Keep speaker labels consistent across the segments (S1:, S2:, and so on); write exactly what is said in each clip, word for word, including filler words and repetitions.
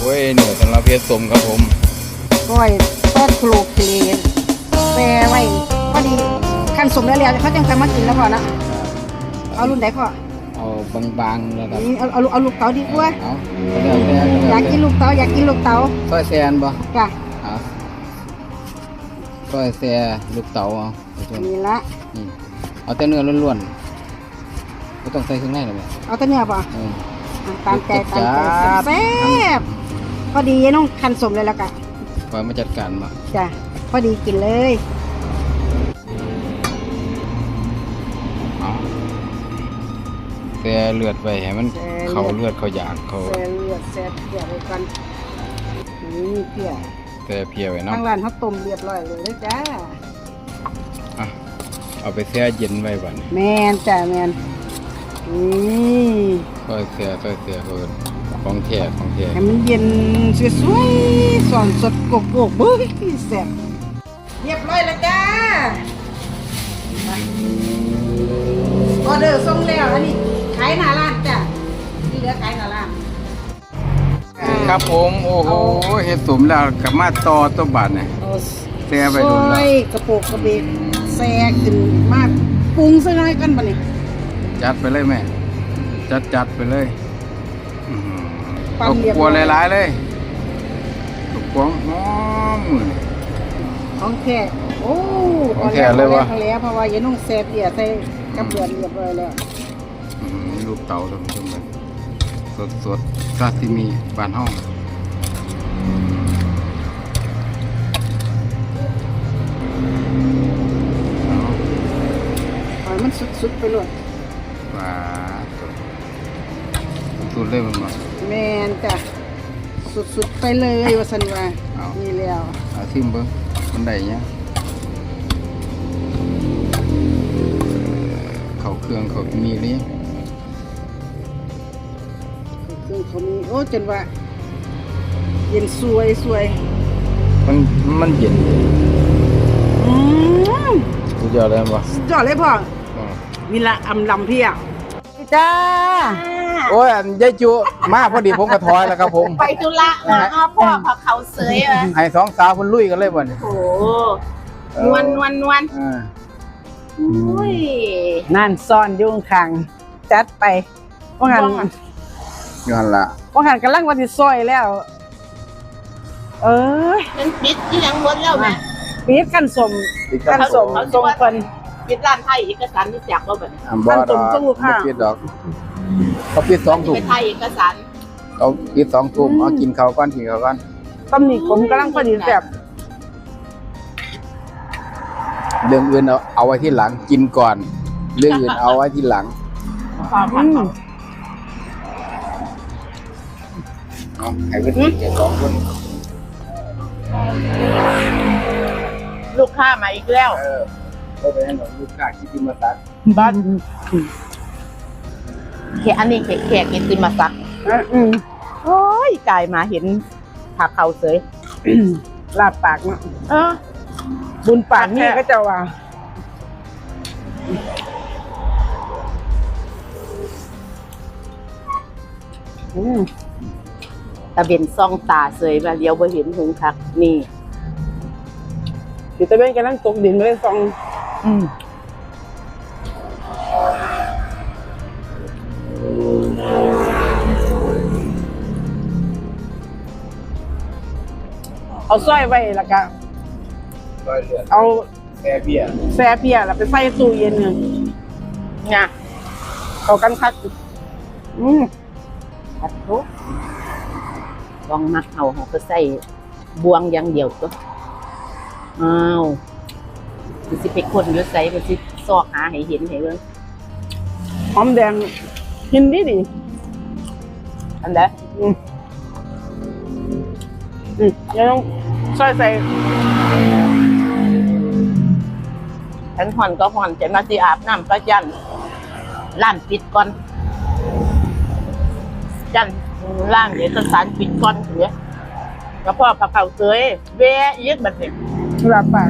S1: อ้ยเหนือสำหรับเพชรสมครับผม
S2: ก้อยทอดโคลเคลีแปรไว้พอดีขั้นสมแล้วแล้วเขาจังจะมากินแล้วพอนะเอารุ่นไหนพ่อ
S1: เอาบางๆแล้วครับ
S2: เอาเอาเอาลูกเต๋าดีกว่า
S1: เอา
S2: อยากกินลูกเต๋าอยากกินลูกเต๋า
S1: ซอยแซนบ่
S2: จ้ะ
S1: เอาซอยแซลูกเต๋าเอา
S2: นี่ละ
S1: นี่เอาแต่เนื้อล้วนๆไม่ต้องใส่เครื่องในหรอก
S2: เอาแต่เนื้อป่ะตามใจตามใจแซ่บพอดีน้องคันสมเลยแล้วกัน
S1: คอยมาจัดการมา
S2: จ้ะพอดีกินเลย
S1: แซ่เลือดไปให้มันเขาเลือดเขาอยากเขา
S2: แซ่เลือดแซ่เพียไว้กันนี่เพีย
S1: แซ่เพียไว้เนาะ
S2: ทางร้านเขาต้มเรียบร้อยเลยจ้า
S1: อ่ะเอาไปแช่เย็นไว้ก่อน
S2: แมนจ้ะแมนนี่
S1: ซอยแซ่ซอยแซ่เพิ่นของแท้ของแท้
S2: ให้มันเย็นสวยๆสอนสดโกโก้เบ้ยแซ่บเรียบร้อยแล้วจ้าออเดอร์ส่งแล้วอันนี้ขายหน้าร้านจ้ะนี่เหลือขายหน้าร้าน
S1: ครับผมโอ้โหเฮ็ดสมแล้วกับมาต่อตัวบาทเนี่ยแซ่ไปโดนแล้ว
S2: กระโปกกระเบกแซ่ขึ้นมากปรุงซะหน่อยกันบัดนี้
S1: จัดไปเลยแม่จัดจัดไปเลยตกกัวหลายๆเลยตกกัวหอม
S2: ของแค่โอ้
S1: ของแค่เลยวะ
S2: แล้วเพราะว่าอย่านุ่งแซ่บเปียใส่กับเบือเรียบร้อยแล้ว
S1: ลูกเต๋าท่านผู้ชมเลยสดสดซาซิมิบานห้อง
S2: ปล่อยมันสุดๆไปเลย
S1: ว้าสุดเลยมันมา
S2: แมนจ้ะสุดๆไปเลยว่าสันว่านี่แล้ว
S1: เอาทิมเบิ้งมันได้เนี้ยเขาเครื่องเขามีนี่
S2: เครื่องเขามีโอ้จนว่าเย็นสวยสวย
S1: มันมันเย็น
S2: อืม
S1: สุดยอดเลยป่ะ
S2: สุดยอดเลยพ่อวิละอำลำเพียจ้า
S1: โอ้ยยายจูมาพอดีผมกระถอยแล้วครับผม
S3: ไปธุระมาอ้อพ่อพอเขาเสยอ่ะ
S1: ให้สองสาวคนลุยกันเลยบ่เนี่ย
S3: โอ้นวลนวลนวลอุ้ย
S2: นั่นซ่อนยุ่งขังจัดไปว่างัน
S1: ย้อนละ
S2: ว่างันกำลังวันที่ซอยแล้วเออ
S3: มันปิดที่ยังหมดแล้วแม่
S2: ปิดกันสมกันสมสมคน
S3: ปิดร้านไทยเอกสารที่จักเราแบบ
S1: กันสมตู้ค่ะปิดดอกเขาปิดสองทุ่ม
S3: ไทยเอกสาร
S1: เขาปิดสองทุ่มเอากินข้าวก้อนกินข้าวก้อน
S2: ตำหนิผมกำลังพอดีแบบ
S1: เรื่องอื่นเอาเอาไว้ที่หลังกินก่อนเรื่องอื่นเอาไว้ที่หลังเอาไอ้เพื่อนเจ็ดสองคน
S3: ลูกค้ามาอีกแล้ว
S1: ก็เป็นหนลูกค้าคิดที่มาตัด
S2: บ้าน
S3: แค่อันนี้แค่แค่กินติมาสัก
S2: อืม
S3: โอ้ยกายมาเห็นผักเขาเสย
S2: ลาบปากเนาะ
S3: เออ
S2: บุญปากนี่ก็จะว่า
S3: อืมตะเบนซ่องตาเสยมาเลี้ยวบ่เห็นหงคักนี่
S2: อยู่ตะเบนกำลังตกดินไม่ได้ซอง
S3: อืม
S2: เอาสร้อยไว้แล้วก็เอา
S1: แซ่เบีย
S2: แซ่เบียแล้วไปใส่ตู้เย็นเงินเนี่ยเขากันคักอืม
S3: คัดทุกลองมักเอาเขาก็ใส่บวงอย่างเดียวก็อ้าวมันสิไปคนเยอะใส่มันสิซอกหาให้เห็นให้เบิ่ง
S2: หอมแดงกินดีดี
S3: อันเด้อ
S2: อืมอืมยังต้องซอยใส่
S3: ฉันห่อนก็ห่อนจะมาสิอาบน้ำก็จันร้านปิดก่อนจันร้านเอกสารปิดก่อนเถอะแล้วพ่อพาเขาเสยเวะยึดบัดนี้
S2: ลาบปาก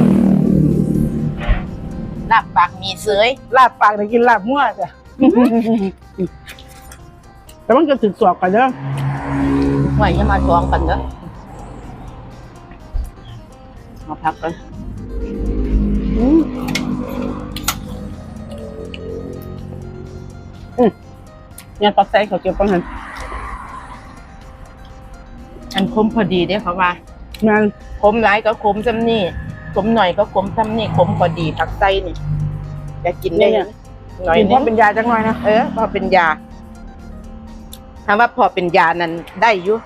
S3: ลาบปากมีเสย
S2: ลาบปากได้กินลาบมั่วจ้ะแต่มันจะถึกสอบกันเด้อ
S3: ไหวจะมาจองกันเด้อมาพักกันอืมอืมเนี่ยปักใส่เขาเก็บปังหันอันคมพอดีเด้เขาว่ามันคมหลายก็คมซ้ำนี่คมหน่อยก็คมซ้ำนี่คมพอดีผักไส้นี่จะกินได้หน่อย
S2: กินเพราะเป็นยาจังหน่อยนะ
S3: เออพอเป็นยาถามว่าพอเป็นยานั้นได้อยู่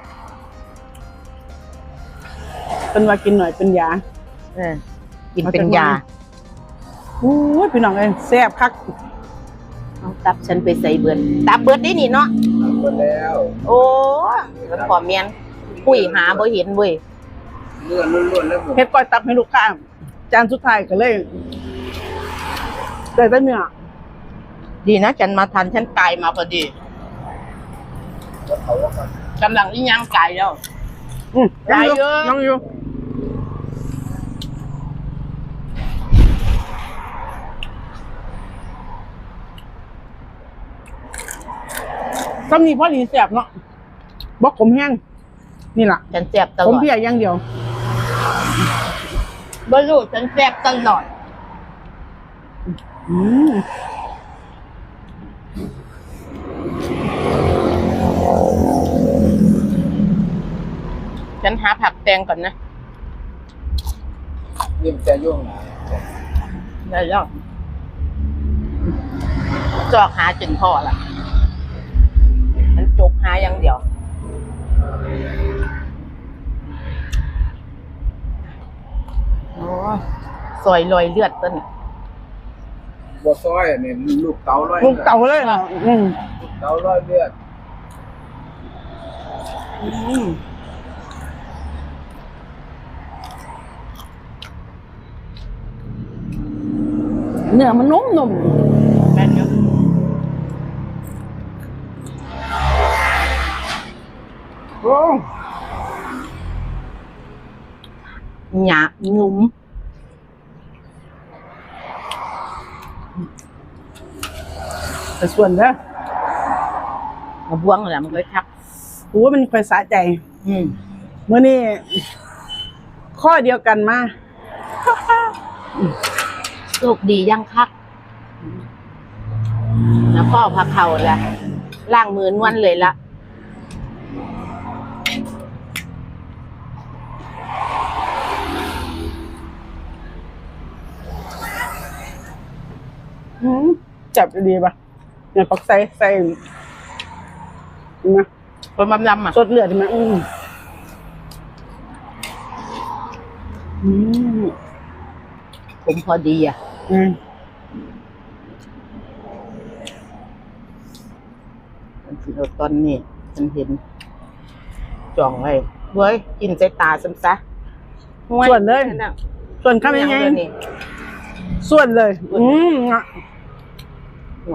S2: เป็นว่ากินหน่อยเป็นยา
S3: เออกินเป็นยา
S2: โอ้ยพี่น้องเอ้ยแซ่บคัก
S3: เอาตับฉันไปใส่เบิดตับเบิดได้นี่เนาะ
S1: หมดแล้ว
S3: โอ้มันพอเมียนคุยหาบ่เห็นเว้ย
S1: เลือดล้วนๆแล้วผม
S2: เฮ็ดก้อยตับให้ลูกค้าจานสุดท้ายก็เลยได้แต่เนื้อ
S3: ดีนะฉันมาทันฉันตายมาพอดีกำลังอีหยังไก่แล้ว
S2: อืม
S3: ได้เยอะ
S2: น้องอยู่ซ้ำนี่พอดีแซ่บเนาะบ่ขมแห้งนี่ล่ะ
S3: ฉันแซ่บตล
S2: ผม
S3: อด
S2: เพียอย่างเดียว
S3: บ่รู้ฉันแซ่บตลอด
S2: อืม
S3: ฉันหาผักแตงก่อนนะ
S1: นี่มันจะย่วงหนา
S3: ได้แล้วจอกหาจนพอละมันจกหาอย่างเดียวโอ้ซอยลอยเลือดต้น
S1: บัวซอยเนี่ยลูกเต๋าร้อย
S2: ลูกเต่าเลยเหรออืม
S1: ลูกเต๋าร้อยเลือด
S3: อืม
S2: เนื้อมันนุ่มนุ่ม
S3: แม่นอยู่
S2: โอ้
S3: หยาบงุ้ม
S2: แต่ส่วนเด้อ
S3: มาบ้วงแหละมันก็ทัก
S2: โอ้มันค่อยสะใจ
S3: อืม
S2: เมื่อนี้ข้อเดียวกันมา
S3: โชคดียังคักแล้วพ่อพักเข่าละล่างมือนวลเลยละ
S2: อืมจับดีป่ะเนี่ยปักใส่ใส่นะ
S3: คนบำลำอ่ะ
S2: สดเลือดใช่ไหมอืมอืม
S3: ผมพอดีอ่ะ
S2: อืม
S3: มันสิเอาตอนนี้ฉันเห็นจ่องไว้เว้ยกินใจตาซ้ำซะ
S2: ส่วนเลย
S3: นั่นน่ะ
S2: ส่วนข้ามยังไง
S3: เดี๋วนี้
S2: ส่วนเลย อืมอ่ะ
S3: ห่วย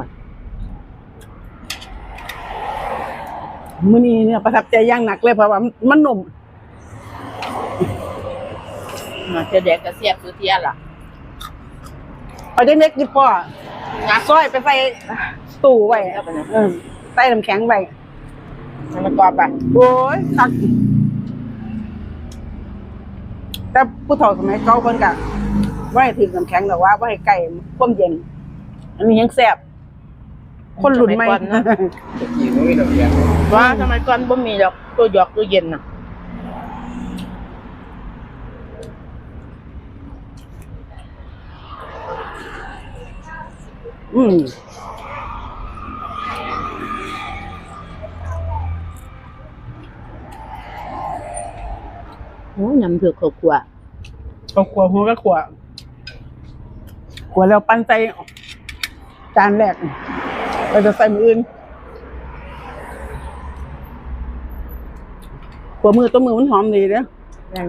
S2: มื้อนี้เนี่ยประทับใจอย่างหนักเลยเพราะว่ามันนุ่ม
S3: มาเจะแดกกระเสียบสุเทียล่ะ
S2: เอาได้เล็กดิพ่อ
S3: นะ
S2: ซอยไปใส่ตู้ไว้
S3: เอาไปนะ
S2: เออใส่น้ำแข็งไว้
S3: ให้มันกรอบอ่ะ
S2: โอ้ยคักแต่ผู้เฒ่าสมัยเก่าเพิ่นก็บ่ให้ถึงน้ำแข็งหรอกว่าบ่ให้ใกล้ความเย็น อันนี้ยังแซ่บคนรุ่นใหม่
S3: สยก่อนะ
S1: ตะกี้มันไม่ต้องเรียน
S3: ว่าทำไมก่อนบ่มีดอกตัวหยอกตัวเย็นน่ะ
S2: อืม
S3: โอ้ยน้ำเผือกข้าวคั่ว
S2: เอาขัวหัวก็ขัวขัวแล้วปั้นใส่จานแรกเราจะใส่มืออื่นขัวมือตัวมือมันหอมดีเด้อ
S3: แม่น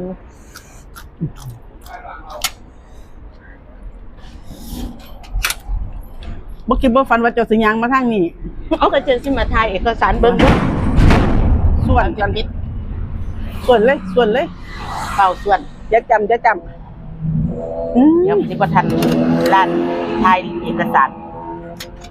S2: บ่คิดบ่ฝันว่าเจ้าสิยางมาทางนี้
S3: เอากระเจนสิมาถ่ายเอกสารเบิ่งดู
S2: ส่วนกัน
S3: พิษ
S2: ส่วนเลยส่วนเลย
S3: เป่าส่วน
S2: อย่าจำอย่าจำอืม
S3: เดี๋ยวสิบ่ทันร้านถ่ายเอกสาร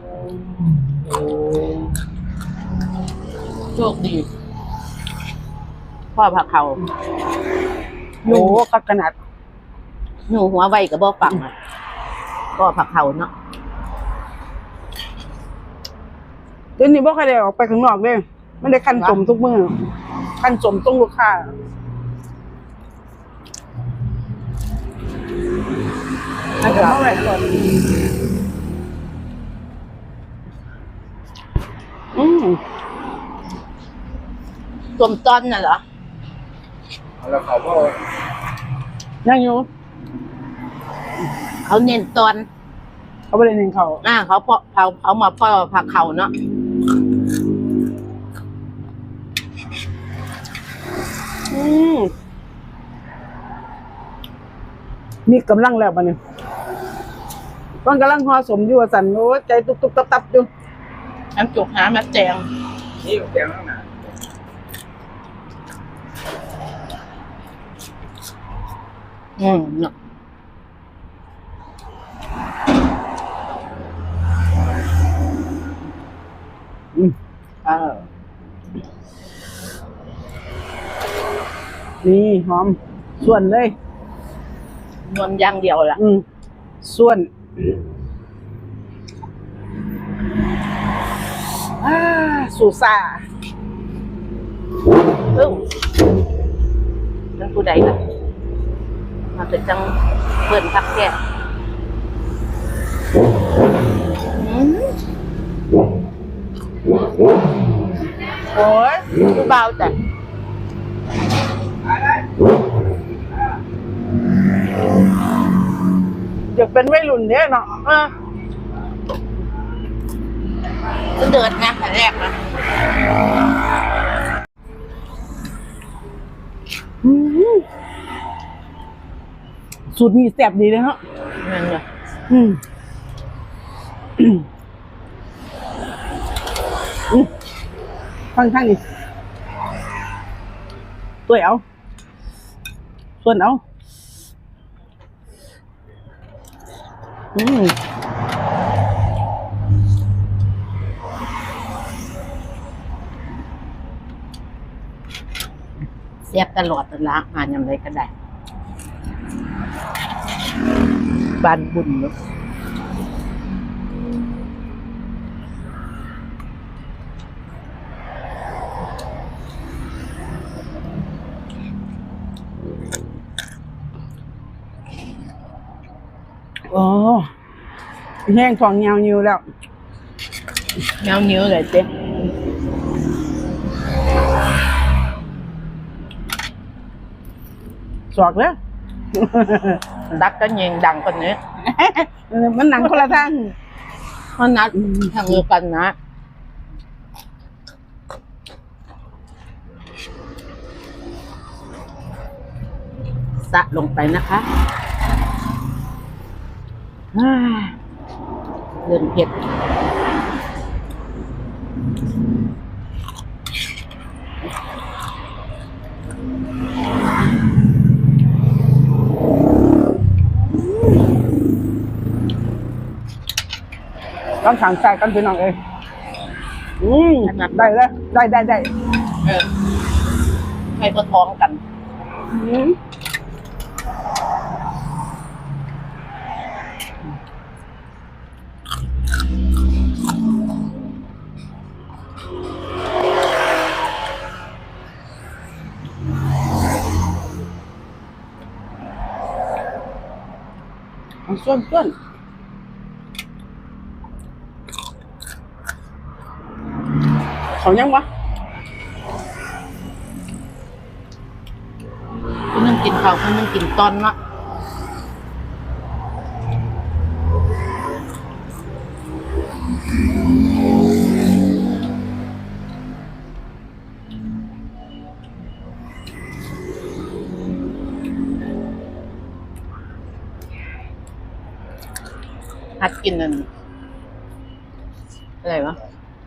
S3: โชคดีพ่อผักเขา
S2: โอ้ก็ขนาด
S3: หนูหัวไวกับบ่ฟังอ่ะพ่อผักเขาเนาะ
S2: เดี๋ยวนี้บ่ค่อยได้ออกไปข้างนอกเด้ไม่ได้ขั้นสมทุกมื้อขั้นสมต้องลูกค้าอาจจะเท่าไหร่ก่อนอืม
S3: ต้มตอนน่ะเหรอ
S1: แล้วเขาก็
S2: ยังอยู่
S3: เขาเน้นตอน
S2: เขาไม่ได้เน้นเขา
S3: อ่าเขาเพาะเขาเขามาพ่อผักเขาเนาะ
S2: อืมมีกำลังแล้วบัดนี้ต้องกำลังห่อสมอยู่ว่าสั่นโอ้ใจตุบๆตับๆอยู่
S3: น้ำจุกหามาแจง
S1: นี่แกงข้างหน้า
S3: อืมเนาะ
S2: อืม
S3: เออ
S2: นี่หอมส่วนเลย
S3: นวลอย่างเดียวล่ะ
S2: อืมส่วนอ่าสูซ่า
S3: เอ้าเป็นผู้ใดล่ะมาเป็นจังเปิ่นพักแก่อืม
S2: โอ้ย
S3: ผู้เบาแต่
S2: อยากเป็นวัยรุ่นเนี่ยเนาะ
S3: เออจะเดินนะแต่แรกนะ
S2: อืมสูตรนี้แซ่บดีเลยฮะ
S3: นั่นเนาะ
S2: อืมอืมอืมข้างข้างนี่ตัวเอาส่วนเอาอืม
S3: เสียบตลอดตลาดมาอย่างไรก็ได้บานบุญเนาะ
S2: โอ้แห้งของยาวยิวแล้ว
S3: เงาเนื้อเลยเจ๊
S2: สอกแล้ว
S3: ดักก็ยิงดังกว่านี้
S2: มันหนังคนละทาง
S3: เพราะนัดทางเดียวกันนะสะลงไปนะคะอ่าเดินเผ็ด
S2: ต้องขังใจกันพี่น้องเองอืมได้แล้วได้ได้ได้
S3: เออให้ก็ท้องกัน
S2: อืมเอาส่วนส่วนเขายังวะ
S3: คนนึงกินข้าวคนนึงกินตอนละหัดกินนั่นอะไรวะ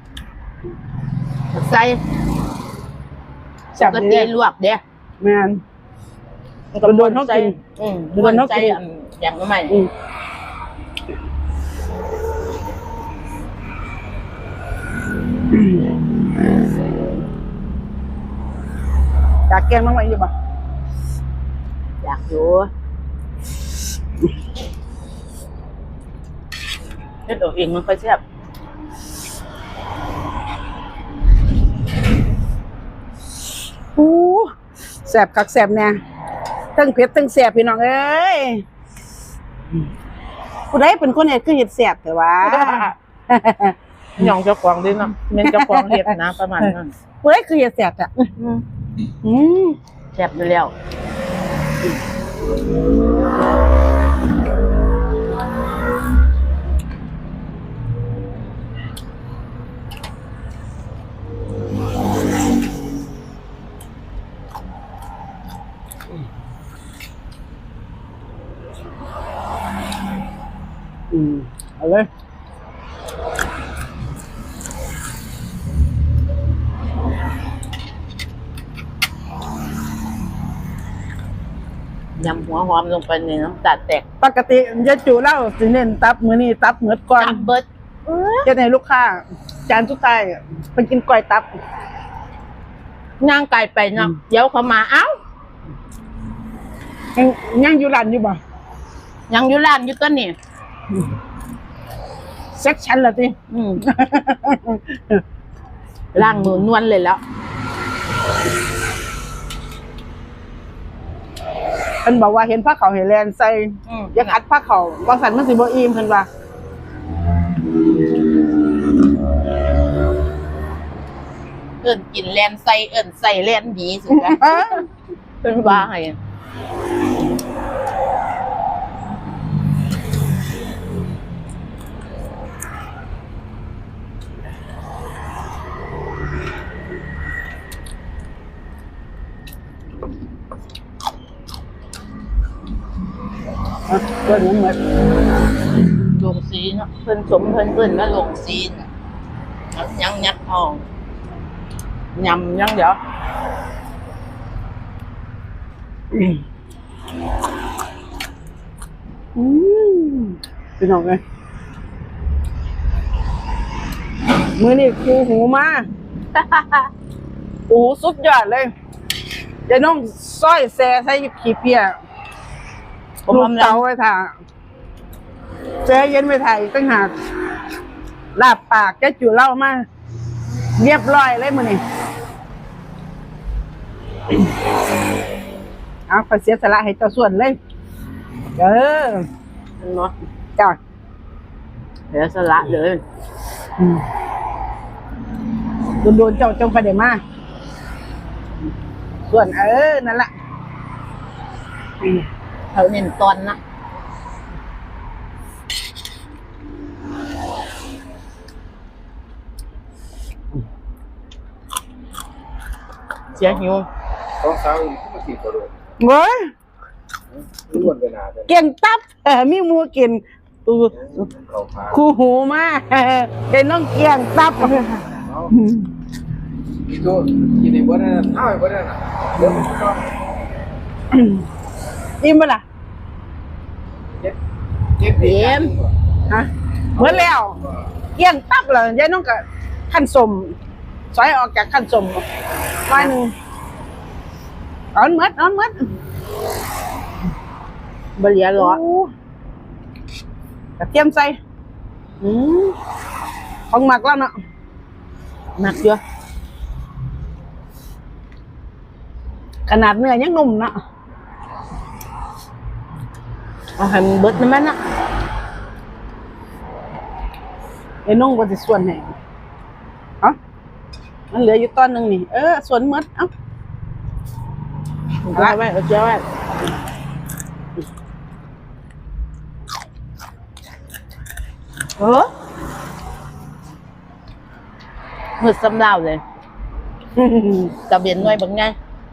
S3: ใส่ป
S2: จับ
S3: ก
S2: ดี
S3: ติลวกเด้
S2: แมน โดนเขากิน
S3: อืม
S2: โดนเขากิน
S3: ใส่อันอย่างนั้นใหม่
S2: อืมอยากแกงน้องไว้อยู่บ่
S3: อยากอยู่เฮ็ดเอาเองมันค่อยแซ่บ
S2: อู้แสบคักแสบแน่ทั้งเผ็ดทั้งแสบพี่น้องเอ้ยผู้ใดเป็นคนเฮ็ดคือเฮ็ดแสบแต่ว่า
S3: หย่องเจ้าของดิเนาะแม่นเจ้าของเฮ็ดนะประมาณนั้น
S2: ผู้ใดคือเฮ็ดแสบอ่ะอืม
S3: แซ่บอยู่แล้ว
S2: อืมเอาเลย
S3: ยำหัวหอมลงไปในน้ำตาลแตก
S2: ปกติยายจูเล่าสิเน้นตับมื้อนี้ตับเหมือดก่อน
S3: ตับเบิด
S2: เฮ็ดให้ลูกค้าจานสุดท้ายเพิ่นกินก้อยตับ
S3: ย่างไก่ไปเนาะเดี๋ยวเขามาเอ้า
S2: ยังยังอยู่ร้านอยู่บ่
S3: ยังอยู่ร้านอยู่ตัวนี่
S2: เซ็กชันละติ
S3: อืมล้างมือนวลเลยแล้ว
S2: เพิ่นบอกว่าเห็นผ้าขาวเห็นแลนใส่
S3: อืม
S2: อย่าขัดผ้าขาวบ่สั่นมันสิบ่อิ่มเพิ่นว่า
S3: เอิ้นกินแลนใส่เอิ้นใส่แลนดีสุดแล้ว
S2: เอ้อ
S3: เป็นว่าให้
S2: เพิ่นเหมือน
S3: ลงซีเนาะเพิ่นสมเพิ่นเพิ่นว่าลงซีนเอายังยัดทองยำยังเดี๋ยว
S2: อืมพี่น้องเอ้ยมื้อนี้ครูหูมา โอ้สุดยอดเลยยายน้องซอยแซ่ใส่ขี้เปีย
S3: ผม
S2: ลูก
S3: ทำแล้
S2: เตาว ไว้ถ่าแซ่เย็นไว้ถ่ายตั้งหากลาบปากแกจูเล่ามาเรียบร้อยเลยมื้อนี้เอาขอเสียสละให้เจ้าส่วนเลยเออ
S3: เนาะ
S2: จ้า
S3: เดี๋ยวสละเลย
S2: โดนๆเจ้าจงไปได้มาส่วนเออนั่นแหละ
S3: เขาเน้นตอนนะเสียหิว
S1: ต้องสาวอีกก็ติดกระโดด
S2: เว้ย
S1: ทุกคนเป็นอาจจะ
S2: เก่งตับเออมีหมูกินอู้
S1: เขาพา
S2: คู่หูมาเห็นน้องเกี่ยงตับ
S1: เอาอีกตัวกินในบ่ได้นะเท่าไอ้บ่ได้นะเดี๋ยวมันก็
S2: อิ่มปะล่ะ
S1: เจ็ดเจ็ด
S3: เยี่ยม
S2: ฮะเหมือนแล้วเกี่ยงตับเหรอยายน้องก็ขั้นสมซอยออกจากขั้นสมไว้หนึ่งเอ่อนมัดเอ่อนมัด
S3: บเหลียหรอ
S2: โอ้กระเทียมใส่อืมของหมักแล้วเนาะ
S3: หนักเยอะ
S2: ขนาดเนื้อยังนุ่มเนาะ
S3: เอาให้มันเบิดนะแม่น่ะ
S2: ไอ้นุ่งก็จะส่วนไหนเอ้ามันเหลืออยู่ตอนหนึ่งนี่เออส่วนหมดเอ้า
S3: เอาไว้ไว้เอาเจ้าไว้เออมืดสำลาวเลยตะเบียนหน่อยบางไง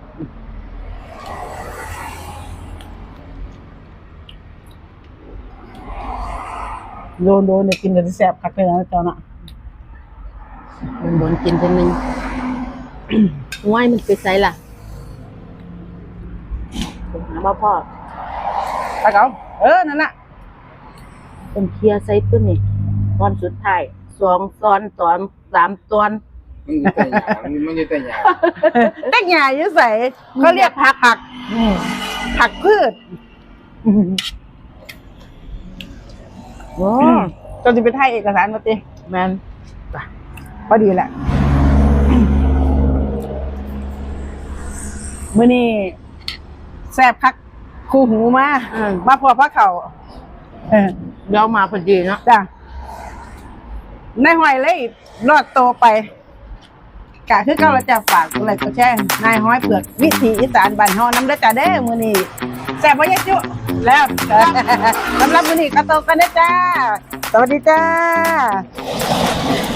S2: โดนโดนเนี่ยกินกันแซ่บคักเลยนะเจ้าน่ะ
S3: มันโดนกินคนหนึ่ง ง่ายมันไปใส่ล่ะผมหามาพ่อ
S2: ตะเกาเออนั่นแหละ
S3: เป็นเคลียร์ใส่ตัวนี่ตอนสุดท้ายสองตอนตอนสามตอน
S1: มันจะแต่หยามันจะแต่หยา
S2: เต็กหญ้าอยู่ใส่เขาเรียกผักผักอืมผักพืชอืมโอ้จนจะไปถ่ายเอกสารมาติ
S3: แมน
S2: พอดีแหละมื้อนี้แซ่บคักคู่หูมามาพอพระเขาเออ
S3: เดี๋ยวมาพอดีเนาะ
S2: จ้ะนายหอยเลยรอดโตไปกะคือเก้าเราจะฝากอะไรก็แช่นายห้อยเปลือกวิถีอีสานบ้านเฮาน้ำเด้อจ้าเด้อมื้อนี้แซ่บบ่ยายจุแล้ว สำหรับมื้อนี้ก็โตกันเด้อจ้าสวัสดีจ้า